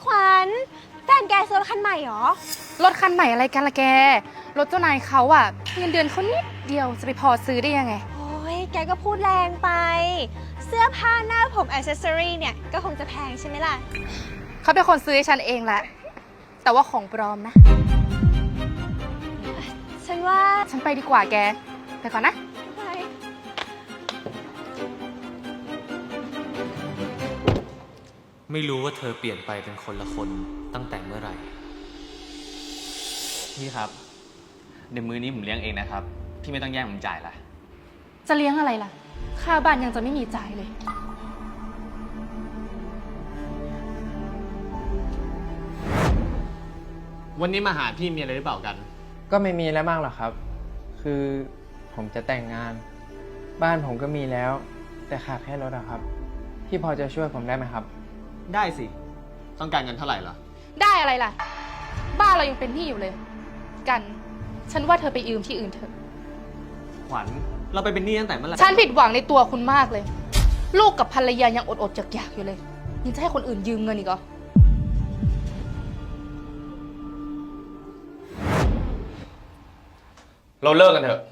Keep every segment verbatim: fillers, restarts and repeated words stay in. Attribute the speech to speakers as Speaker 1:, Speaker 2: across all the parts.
Speaker 1: ขวัญแฟนแกซื้อรถคันใหม่หรอ
Speaker 2: รถคันใหม่อะไรกันล่ะแกรถเจ้านายเขาอะเงินเดือนเขานิดเดียวจะไปพอซื้อได้ยังไง
Speaker 1: โอ้ยแกก็พูดแรงไปเสื้อผ้าหน้าผมอิสเซอรี่เนี่ยก็คงจะแพงใช่ไหมล่ะ
Speaker 2: เขาเป็นคนซื้อให้ฉันเองแหละแต่ว่าของปลอมนะ
Speaker 1: ฉันว่า
Speaker 2: ฉันไปดีกว่าแกไปก่อนนะ
Speaker 3: ไม่รู้ว่าเธอเปลี่ยนไปเป็นคนละคนตั้งแต่เมื่อไหร่
Speaker 4: พี่ครับเดี๋ยวมื้อนี้ผมเลี้ยงเองนะครับพี่ไม่ต้องแย่งผมจ่ายละ
Speaker 2: จะเลี้ยงอะไรล่ะค่าบ้านยังจะไม่มีจ่ายเลย
Speaker 4: วันนี้มาหาพี่มีอะไรหรือเปล่ากัน
Speaker 5: ก็ไม่มีแล้วมากหรอกครับคือผมจะแต่งงานบ้านผมก็มีแล้วแต่ขาดแค่รถอะครับพี่พอจะช่วยผมได้ไหมครับ
Speaker 4: ได้สิต้องการเงินเท่าไหร่ล่ะ
Speaker 2: ได้อะไรล่ะบ้านเรายังเป็นหนี้อยู่เลยกันฉันว่าเธอไปยืมที่อื่นเถอะ
Speaker 4: ขวัญเราไปเป็นหนี้ตั้งแต่เมื่อไหร่
Speaker 2: ฉันผิดหวังในตัวคุณมากเลยลูกกับภรรยายังอดๆอยากๆอยู่เลยยังจะให้คนอื่นยืมเงินอีกเหรอ
Speaker 4: เราเลิกกันเถอะ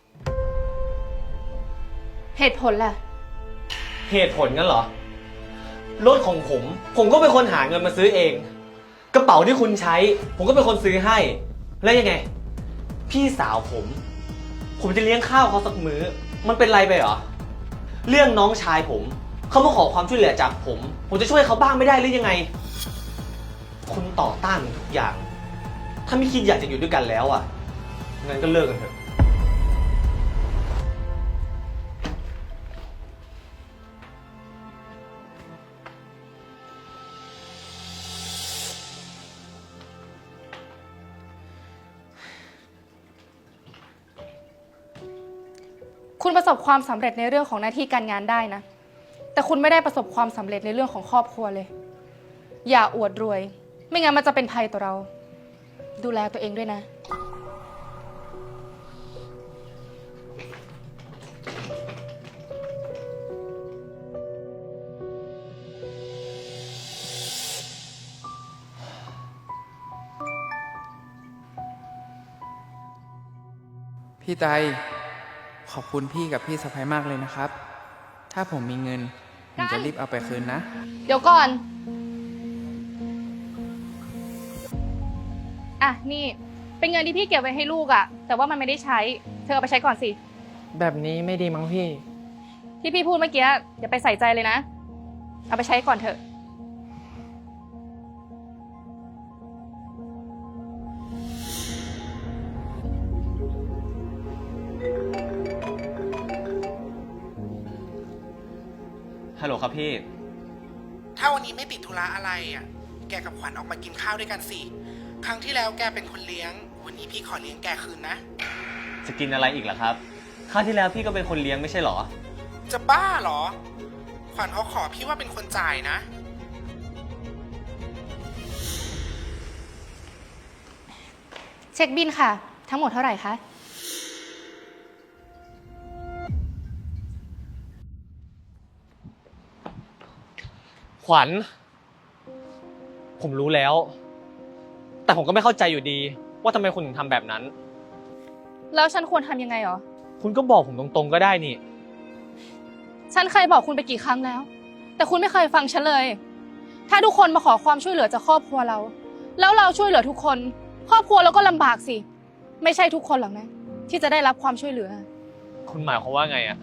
Speaker 2: เหตุผลล่ะ
Speaker 4: เหตุผลงั้นเหรอรถของผมผมก็เป็นคนหาเงินมาซื้อเองกระเป๋าที่คุณใช้ผมก็เป็นคนซื้อให้แล้วยังไงพี่สาวผมผมจะเลี้ยงข้าวเขาสักมื้อมันเป็นไรไปเหรอเรื่องน้องชายผมเขามาขอความช่วยเหลือจากผมผมจะช่วยเขาบ้างไม่ได้หรือยังไงคุณต่อต้านทุกอย่างถ้าไม่คิดอยากจะอยู่ด้วยกันแล้วอ่ะงั้นก็เลิกกันเถอะ
Speaker 2: คุณประสบความสำเร็จในเรื่องของหน้าที่การงานได้นะแต่คุณไม่ได้ประสบความสำเร็จในเรื่องของครอบครัวเลยอย่าอวดรวยไม่งั้นมันจะเป็นภัยต่อเราดูแลตัวเองด้วยนะ
Speaker 5: พี่ไตขอบคุณพี่กับพี่สะใภ้มากเลยนะครับถ้าผมมีเงินผมจะรีบเอาไปคืนนะ
Speaker 2: เดี๋ยวก่อนอ่ะนี่เป็นเงินที่พี่เก็บไว้ให้ลูกอะแต่ว่ามันไม่ได้ใช้เธอเอาไปใช้ก่อนสิ
Speaker 5: แบบนี้ไม่ดีมั้งพี่
Speaker 2: ที่พี่พูดเมื่อกี้อย่าไปใส่ใจเลยนะเอาไปใช้ก่อนเถอะ
Speaker 4: ฮัลโหลครับพี่
Speaker 6: ถ้าวันนี้ไม่ติดธุระอะไรอ่ะแกกับขวัญออกมากินข้าวด้วยกันสิครั้งที่แล้วแกเป็นคนเลี้ยงวันนี้พี่ขอเลี้ยงแกคืนนะ
Speaker 4: จะกินอะไรอีกล่ะครับคราวที่แล้วพี่ก็เป็นคนเลี้ยงไม่ใช่หรอ
Speaker 6: จะบ้าหรอขวัญเขาขอพี่ว่าเป็นคนจ่ายนะ
Speaker 2: เช็คบิลค่ะทั้งหมดเท่าไหร่คะ
Speaker 4: ขวัญผมรู้แล้วแต่ผมก็ไม่เข้าใจอยู่ดีว่าทำไมคุณถึงทำแบบนั้น
Speaker 2: แล้วฉันควรทำยังไงหรอ
Speaker 4: คุณก็บอกผมตรงๆก็ได้นี่
Speaker 2: ฉันเคยบอกคุณไปกี่ครั้งแล้วแต่คุณไม่เคยฟังฉันเลยถ้าทุกคนมาขอความช่วยเหลือจากครอบครัวเราแล้วเราช่วยเหลือทุกคนครอบครัวเราก็ลำบากสิไม่ใช่ทุกคนหรอกนะที่จะได้รับความช่วยเหลือ
Speaker 4: คุณหมายความว่าไงอะ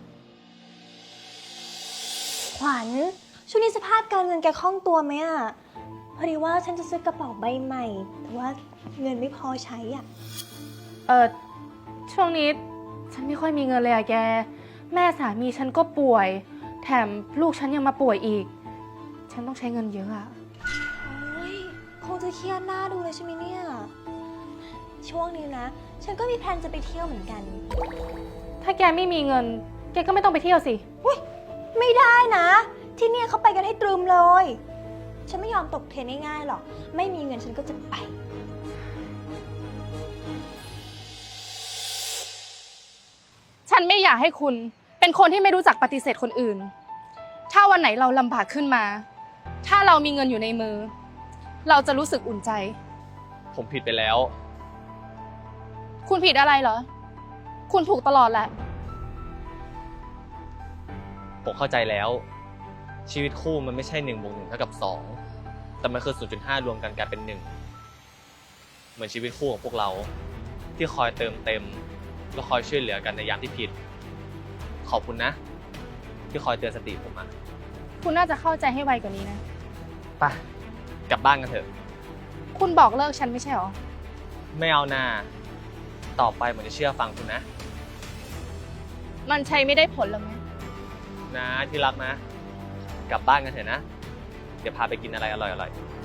Speaker 1: ขวัญช่วงนี้สภาพการเงินแกคล่องตัวไหมอ่ะพอดีว่าฉันจะซื้อกระเป๋าใบใหม่แต่ว่าเงินไม่พอใช้อ่ะ
Speaker 2: เออช่วงนี้ฉันไม่ค่อยมีเงินเลยอะแกแม่สามีฉันก็ป่วยแถมลูกฉันยังมาป่วยอีกฉันต้องใช้เงินเยอะอะ
Speaker 1: โอ้ยคงจะเครียดหน้าดูเลยใช่ไหมเนี่ยช่วงนี้นะฉันก็มีแพลนจะไปเที่ยวเหมือนกัน
Speaker 2: ถ้าแกไม่มีเงินแกก็ไม่ต้องไปเที่ยวสิ
Speaker 1: อุ๊ยไม่ได้นะที่เนี่ยเขาไปกันให้ตรึมเลยฉันไม่ยอมตกเทรนง่ายๆหรอกไม่มีเงินฉันก็จะไป
Speaker 2: ฉันไม่อยากให้คุณเป็นคนที่ไม่รู้จักปฏิเสธคนอื่นถ้าวันไหนเราลำบากขึ้นมาถ้าเรามีเงินอยู่ในมือเราจะรู้สึกอุ่นใจ
Speaker 4: ผมผิดไปแล้ว
Speaker 2: คุณผิดอะไรเหรอ คุณถูกตลอดแหละ
Speaker 4: ผมเข้าใจแล้ว ชีวิตคู่มันไม่ใช่หนึ่งบวกหนึ่งเท่ากับสองแต่มันคือ ศูนย์จุดห้า รวมกันกลายเป็นหนึ่งเหมือนชีวิตคู่ของพวกเรา ที่คอยเติมเต็มและคอยช่วยเหลือกันในยามที่ผิด ขอบคุณนะ ที่คอยเตือนสติผมมา
Speaker 2: คุณน่าจะเข้าใจให้ไวกว่านี้นะ
Speaker 4: ไปกลับบ้านกันเถอะ
Speaker 2: คุณบอกเลิกฉันไม่ใช่หรอ
Speaker 4: ไม่เอาหน้าต่อไปผมจะเชื่อฟังคุณนะ
Speaker 2: มันใช้ไม่ได้ผลหรอไหม
Speaker 4: นะที่รักนะ กลับบ้านกันเถอะนะ เดี๋ยวพาไปกินอะไรอร่อยๆ